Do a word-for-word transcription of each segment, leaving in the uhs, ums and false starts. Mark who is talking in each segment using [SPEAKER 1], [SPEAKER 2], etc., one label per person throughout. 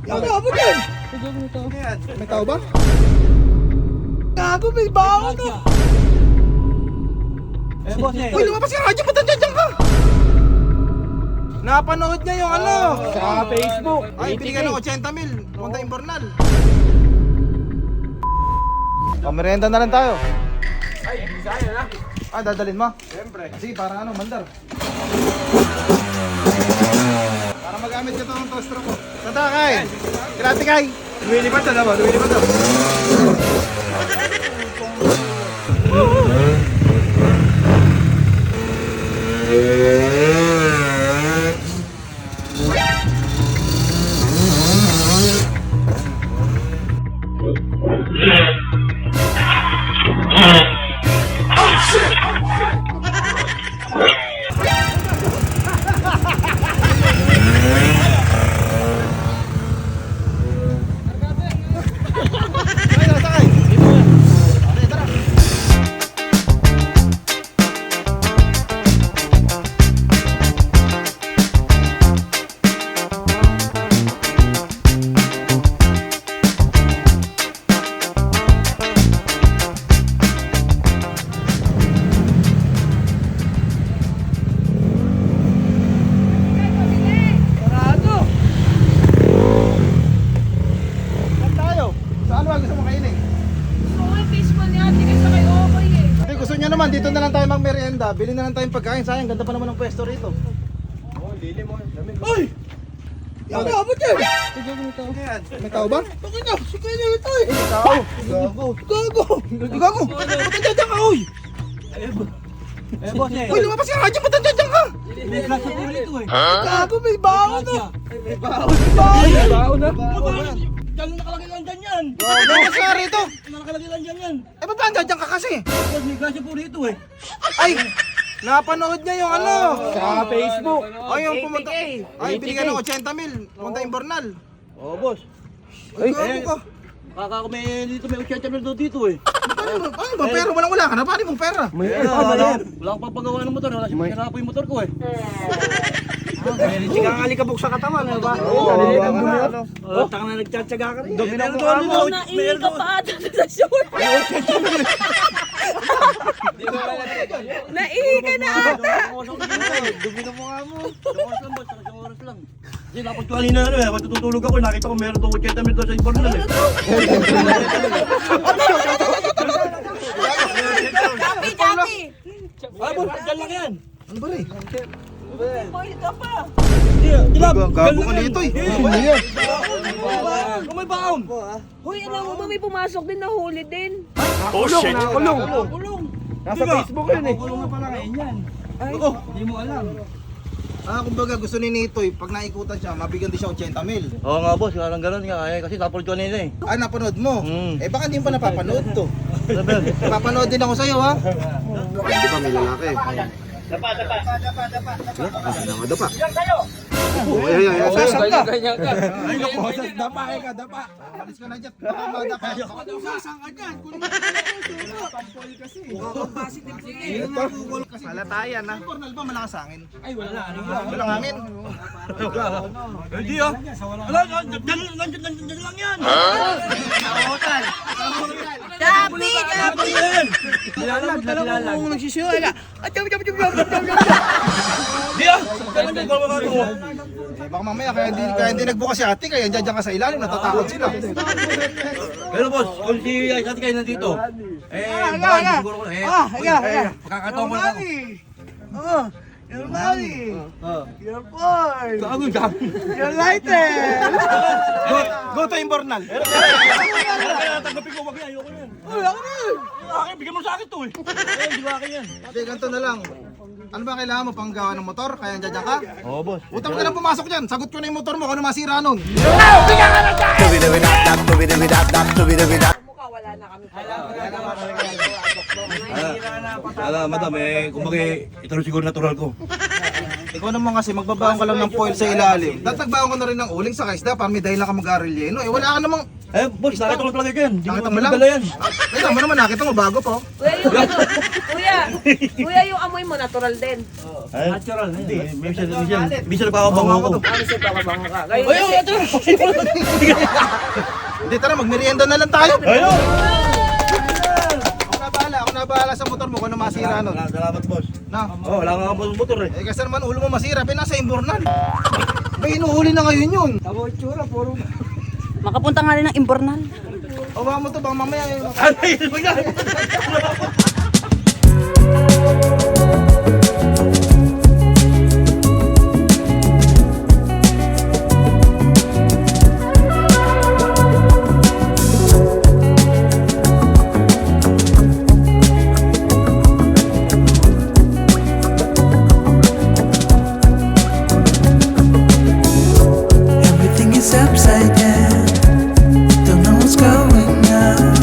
[SPEAKER 1] Gago din! May tao ba? Gago, may baho to!
[SPEAKER 2] Eh, boss eh.
[SPEAKER 1] Uy, lumabas yung radyo, ba't nandiyan ka? Napanood niya yung ano?
[SPEAKER 2] Sa Facebook.
[SPEAKER 1] Ay, binigyan ng eighty mil. Punta Imbornal. Pamerenda na lang tayo.
[SPEAKER 2] Ay, saan na?
[SPEAKER 1] Ah, dadalhin mo?
[SPEAKER 2] Siyempre.
[SPEAKER 1] Sige, para ano, mandar. Para magamit ka to ng toaster ko. Tata, Kay! Grabe, Kay!
[SPEAKER 2] Lumilipad na naman, lumilipad na.
[SPEAKER 1] Ay, nasakay! Okay, tara! Sarado! Saan tayo? Saan ba gusto mo kainin?
[SPEAKER 3] Oo, fishball niya. Hindi kayo sakay okay eh.
[SPEAKER 1] Hindi, gusto niya naman, dito na lang tayo magmerienda. Bili na lang tayong pagkain. Sayang, ganda pa naman ng pwesto rito.
[SPEAKER 2] Oo, lilim mo. Lamig.
[SPEAKER 1] Uy! Yung tao ba dyan?
[SPEAKER 2] Yan.
[SPEAKER 1] May tao ba? Bakit na? Sige na ito eh! Tao! Gago! Gago! Gago! Ba't nandiyan ka, uy?
[SPEAKER 2] Eh, boss eh.
[SPEAKER 1] Uy, lumabas yung radyo, ba't nandiyan ka?
[SPEAKER 2] May glass sa pulo ito eh.
[SPEAKER 1] Gago, may baho to!
[SPEAKER 2] May baon.
[SPEAKER 1] May baho!
[SPEAKER 2] May baon na.
[SPEAKER 4] Diyan nakalagay lang dyan yan!
[SPEAKER 1] Lumabas ka rito!
[SPEAKER 4] Nakalagay lang dyan yan!
[SPEAKER 1] Eh, ba't nandiyan ka kasi?
[SPEAKER 4] Boss, may grasya po rito eh!
[SPEAKER 1] Ay! Napanood niya yung ano?
[SPEAKER 2] Sa Facebook.
[SPEAKER 1] Ay, yung pumunta. Ay, binigyan ng eighty mil. Punta Imbornal.
[SPEAKER 4] Oo, boss.
[SPEAKER 1] Ay, gago ka.
[SPEAKER 4] Kaka may dito may eighty mil daw dito eh!
[SPEAKER 1] Paano ba? Paano ba? Pera, walang wala ka na. Paano mong pera?
[SPEAKER 2] May
[SPEAKER 4] Eh,
[SPEAKER 2] tama
[SPEAKER 4] wala,
[SPEAKER 2] yan.
[SPEAKER 4] wala akong papagawa ng motor. Wala siya pinarapo yung motor ko eh!
[SPEAKER 2] Hindi ka alikabok sa katawan, ano ba?
[SPEAKER 1] Oo,
[SPEAKER 2] Nalilikan mo
[SPEAKER 1] wala,
[SPEAKER 2] na.
[SPEAKER 1] ano.
[SPEAKER 4] Oh, taka na nagtsatsaga ka rin!
[SPEAKER 2] Dumi na
[SPEAKER 4] Meron
[SPEAKER 2] mukha
[SPEAKER 4] doon,
[SPEAKER 2] mo.
[SPEAKER 4] doon,
[SPEAKER 3] Naihi
[SPEAKER 4] meron
[SPEAKER 3] ka
[SPEAKER 4] doon.
[SPEAKER 3] pa ata sa short. Naihi ka na ata.
[SPEAKER 4] Dumi na mukha mo! Isang oras lang boss, isang oras lang! Kasi tapos ko kanina ano eh, ako tutulog ako, nakita ko meron doon eighty mil doon sa Imbornal eh!
[SPEAKER 3] Dati, dati.
[SPEAKER 4] Ah, boss, dyan lang yan!
[SPEAKER 1] Ano ba rin?
[SPEAKER 3] Boil ka pa.
[SPEAKER 4] Di ba?
[SPEAKER 1] Gago ka dito eh. Ano yan?
[SPEAKER 4] Kung may baon!
[SPEAKER 3] Hoy, alam mo ba may pumasok din na huli din?
[SPEAKER 2] Oh shit. Nakulong.
[SPEAKER 4] Kulong!
[SPEAKER 2] Nasa Facebook yun eh.
[SPEAKER 4] Kulong na pala ngayon yan!
[SPEAKER 3] Ay,
[SPEAKER 4] Hindi mo alam!
[SPEAKER 1] Ah, kumbaga gusto ni Nitoy, pag naikutan siya, mabigyan din siya eighty mil.
[SPEAKER 4] Oo nga boss, parang gano'n nga eh, kasi tapos ko nila eh.
[SPEAKER 1] Ah, napanood mo?
[SPEAKER 4] Hmm.
[SPEAKER 1] Eh, baka hindi mo pa napapanood to.
[SPEAKER 4] Sabi,
[SPEAKER 1] Napapanood din ako sa'yo, ha? Hindi pa may lalaki. Dapa, dapa. Dapa, dapa, dapa. Dapa, dapa. Oh, ay, ay, ay. Sasang ka. Ay, naku, dapa ka, dapa. Alis ka na dyan. Baka madapa. Sasang ka dyan. Kunin mo na ito. Pampol kasi. Pampol kasi. Malatayan, ha? Pornal ba malakas hangin? Ay, wala. Walang hangin.
[SPEAKER 4] hindi ah! Wala, dyan dyan lang yan!
[SPEAKER 3] Dapi, dapi.
[SPEAKER 4] Nilalag, nilalag.
[SPEAKER 1] Kung nagsisiyo, ay ka.
[SPEAKER 4] Di ah! Dyan lang dyan, gawa ka mo.
[SPEAKER 1] Eh, baka mamaya, kaya hindi, kaya hindi nagbukas si ate, kaya dyan dyan ka sa ilalim, natatakot sila.
[SPEAKER 4] Pero boss, kung si Isati kayo nandito, eh, baka hindi siguro ko na eh.
[SPEAKER 1] Ah, higa, higa.
[SPEAKER 4] Pakakataon ko na ako.
[SPEAKER 1] Oh, your money. Your boy.
[SPEAKER 4] Gago dyan.
[SPEAKER 1] Your lighter. Go, go to Imbornal.
[SPEAKER 4] Tanggapin ko, wag yan, ayoko yan.
[SPEAKER 1] Uy, ako na.
[SPEAKER 4] Akin, bigyan mo sa akin to eh. Eh, hindi ko akin yan.
[SPEAKER 1] Hindi, ganito na lang. Ano ba kailangan mo pang gawa ng motor? Kaya dyan dyan ka?
[SPEAKER 4] Oo boss.
[SPEAKER 1] Utang ka lang pumasok dyan. Sagot ko na yung motor mo kung ano masira nun.
[SPEAKER 3] Mukha wala na kami.
[SPEAKER 4] Alam, madam, eh, kumbaga, ito rin siguro natural ko.
[SPEAKER 1] Ikaw naman kasi magbabaon ka lang ng foil sa ilalim. Tatagbaon ko na rin ng uling sa kaisda para may dahilan ka mag-arelyeno. Eh wala ka namang
[SPEAKER 4] Eh, boss, nakita ko talaga yan. Hindi
[SPEAKER 1] Nakita
[SPEAKER 4] ko
[SPEAKER 1] mo lang?
[SPEAKER 4] dala yan.
[SPEAKER 1] Kaya mo naman, nakita mo, bago po.
[SPEAKER 3] Kuya, yung ano, kuya, kuya, yung amoy mo, natural din.
[SPEAKER 4] Eh, natural. Hindi, minsan, minsan, minsan nagpapabango ako.
[SPEAKER 3] Ano siya bakabango ka? Ngayon,
[SPEAKER 4] Ay, ito!
[SPEAKER 1] Hindi, tara, magmerienda na lang tayo.
[SPEAKER 4] Ayun!
[SPEAKER 1] Ako na bahala, ako na bahala sa motor mo kung ano masira nun.
[SPEAKER 4] Salamat, boss.
[SPEAKER 1] Na,
[SPEAKER 4] Oh, wala nga ako motor eh.
[SPEAKER 1] eh kasi naman ulo mo masira, pinasa imbornal. Ba, inuhuli na ngayon yun.
[SPEAKER 2] Tabo itsura, puro.
[SPEAKER 3] makapunta nga rin ng Imbornal.
[SPEAKER 1] O ba mo to, bang mamaya eh.
[SPEAKER 4] Ano yun? Wag na!
[SPEAKER 5] Everything is upside down. Don't know what's going on.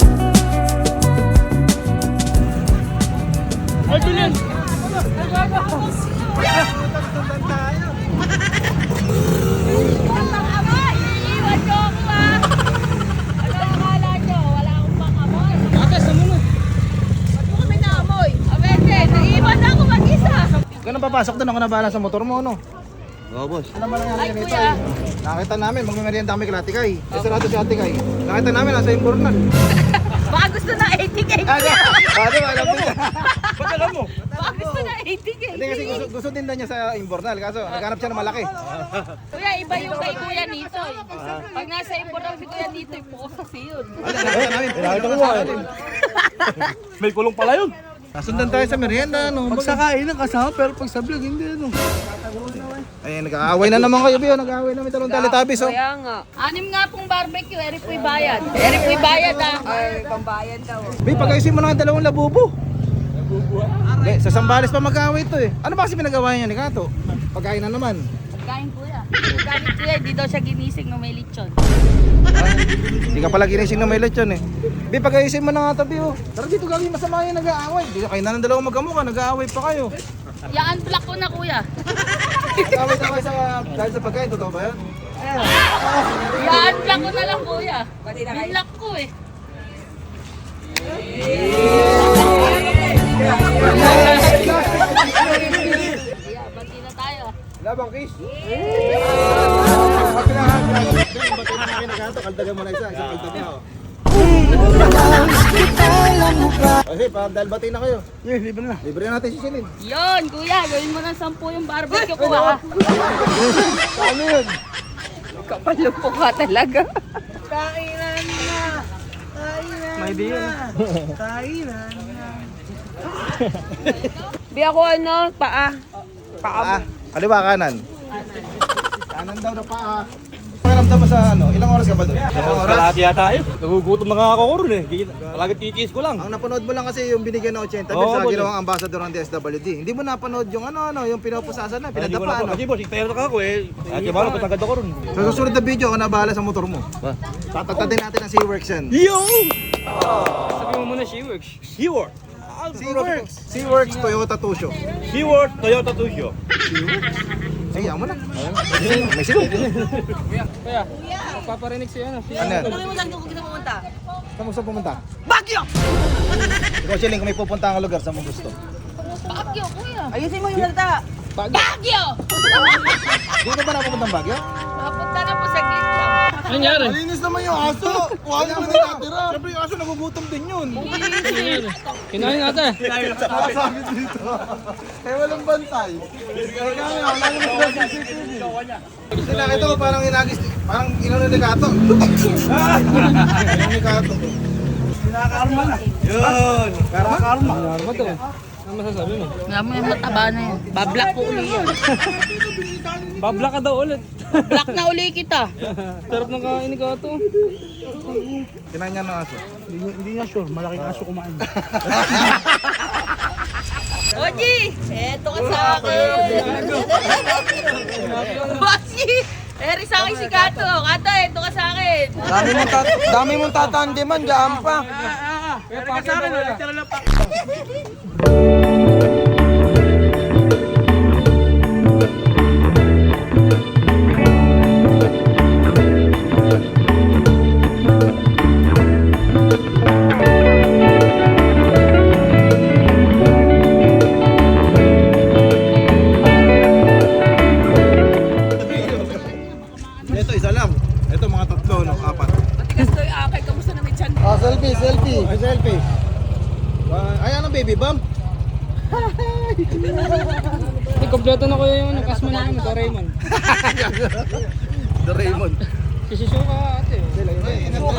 [SPEAKER 3] Iwan ko ako ah! Ano akala nyo? Wala akong pangamoy. Ba't mo kami naamoy? Abete, naiwan na ako mag-isa.
[SPEAKER 1] Ganun papasok doon, ako na bahala sa motor mo, no?
[SPEAKER 4] Oo, boss.
[SPEAKER 1] Alam mo lang
[SPEAKER 3] Ay,
[SPEAKER 1] yan ito.
[SPEAKER 3] kuya.
[SPEAKER 1] Nakita namin, magmerienda kami kay Ate Kay. Eh, sarado si Ate Kay. Nakita namin, nasa imbornal.
[SPEAKER 3] Baka gusto na eighty K.
[SPEAKER 1] Ano? Ano, alam mo niya.
[SPEAKER 4] Ba't alam mo?
[SPEAKER 3] Baka gusto na eighty K.
[SPEAKER 1] Hindi kasi gusto, gusto din daw niya sa imbornal, kaso naghanap siya ng malaki.
[SPEAKER 3] Kuya, iba yung kay Kuya Nito. eh. Pag nasa Imbornal si Kuya Nito, ipokus kasi yun.
[SPEAKER 1] Ano, nakita namin.
[SPEAKER 4] Nakita ko nga eh. May kulong pala yun.
[SPEAKER 1] Nasundan tayo sa merienda, no?
[SPEAKER 2] Pag sa kainan kasama, pero pag sa vlog, hindi ano.
[SPEAKER 1] Ay, nag-aaway na naman kayo, Bio. Nag-aaway namin talong Teletubbies, oh.
[SPEAKER 3] Kaya nga. Anim nga pong barbecue, eri po'y bayad. Eri po'y bayad ah. Ay, pambayad daw.
[SPEAKER 1] Bi, pag-ayusin mo na ang dalawang labubo. Bi, sa Sambales pa mag-aaway to eh. Ano ba kasi pinagawa niya ni Kato? Pagkain na naman.
[SPEAKER 3] Pagkain kuya. Pagkain kuya, di daw siya ginising ng may lechon.
[SPEAKER 1] Hindi ka pala ginising na may lechon eh. Bi, pag-ayusin mo na nga to, Bio. Tara dito gawin masama yung nag-aaway. Di kayo na ng dalawang magkamukha, nag-aaway pa kayo.
[SPEAKER 3] Yaan black ko na kuya.
[SPEAKER 1] Nag-aaway na kayo sa, dahil sa pagkain, totoo ba yan?
[SPEAKER 3] Yaan black ko na lang kuya. Binlock ko eh. Kuya, bati na tayo.
[SPEAKER 1] Labang kiss. Pag pinahan, bato na namin naghanto, kaldagan mo na isa, isang kaldag na oh. Kasi pa, dahil bati na kayo.
[SPEAKER 2] Eh, libre na.
[SPEAKER 1] Libre natin si Celine.
[SPEAKER 3] Yon, kuya, gawin mo ng sampu yung barbecue ko ah.
[SPEAKER 1] Ano yun?
[SPEAKER 3] Kapal yung mukha talaga.
[SPEAKER 2] Kainan na. Kainan
[SPEAKER 1] May idea na.
[SPEAKER 2] Kainan na.
[SPEAKER 3] Bi ako ano, paa.
[SPEAKER 1] Paa. Kaliwa kanan. Kanan daw na paa. Pakiramdam mo sa ano, ilang oras ka ba doon? Ilang oras?
[SPEAKER 4] Kalahati yata yun. Nagugutom na nga ako ko rin eh. Palagi titiis ko lang.
[SPEAKER 1] Ang napanood mo lang kasi yung binigyan ng eighty
[SPEAKER 4] Oo,
[SPEAKER 1] mil sa
[SPEAKER 4] boss.
[SPEAKER 1] ginawang ambassador ng D S W D. Hindi mo napanood yung ano, ano, yung pinapusasan na,
[SPEAKER 4] Ay, hindi ko
[SPEAKER 1] pinadapa
[SPEAKER 4] na
[SPEAKER 1] ano.
[SPEAKER 4] Kasi boss, iktayo na ako eh. At yung mga patagad ako rin.
[SPEAKER 1] Sa susunod na video, ako na bahala sa motor mo.
[SPEAKER 4] Ba?
[SPEAKER 1] Tatagtatin natin ang SeaWorks yan.
[SPEAKER 4] Yo!
[SPEAKER 2] Sabi mo muna, She-Works.
[SPEAKER 4] SeaWorld.
[SPEAKER 1] SeaWorks! SeaWorks Toyota Tusho.
[SPEAKER 4] SeaWorld Toyota Tusho.
[SPEAKER 1] Sige, ako na. May silong.
[SPEAKER 2] Kaya, paparinig siya ano.
[SPEAKER 1] Ano yan?
[SPEAKER 3] Ano mo saan ko kita pumunta?
[SPEAKER 1] Saan mo gusto pumunta? Baguio! Ikaw, Chilling, kung may pupunta ang lugar, saan mo gusto?
[SPEAKER 3] Baguio, kuya.
[SPEAKER 2] Ayusin mo yung salita.
[SPEAKER 3] Baguio!
[SPEAKER 1] Dito ba napupunta ang Baguio?
[SPEAKER 3] Mapunta na po sa glit lang.
[SPEAKER 2] Nangyari?
[SPEAKER 1] Malinis naman yung aso! Kuha niyo na natira! Siyempre yung aso nagugutom din yun!
[SPEAKER 2] Kinain natin.
[SPEAKER 1] Nakasakit dito! Eh walang bantay! Kaya kami, wala naman sa C C T V! Kasi nakita ko parang inagis, parang inano ni Kato! Inano ni Kato!
[SPEAKER 2] Nakakarma na.
[SPEAKER 4] Yun!
[SPEAKER 1] Karma?
[SPEAKER 2] Karma. Karma to. Ano masasabi mo?
[SPEAKER 3] Nga mo yung mataba na yan. Bablock ko uli yan.
[SPEAKER 2] Babla ka daw ulit.
[SPEAKER 3] Black na uli kita.
[SPEAKER 2] Sarap ng kain ka to.
[SPEAKER 1] Kinain niya ng aso.
[SPEAKER 2] Hindi, hindi nga sure, malaking aso kumain.
[SPEAKER 3] Oji, eto ka sa akin. Bossy, eri sa akin si Kato. Kato, eto ka sa akin.
[SPEAKER 2] Dami mong tat dami mong tatandeman, diyan pa. Pero ka sa akin,
[SPEAKER 1] Ito, isa lang. Ito, mga tatlo, no? Apat.
[SPEAKER 3] Matigas to yung akay. Kamusta na may tiyan?
[SPEAKER 1] Ah, selfie, selfie. Ay, selfie. Ah, ayan ang baby bump.
[SPEAKER 2] Ay, kompleto na ko yung ano, kasma namin, Doraemon.
[SPEAKER 1] Doraemon.
[SPEAKER 2] Si Shizuka ate.
[SPEAKER 1] Ay,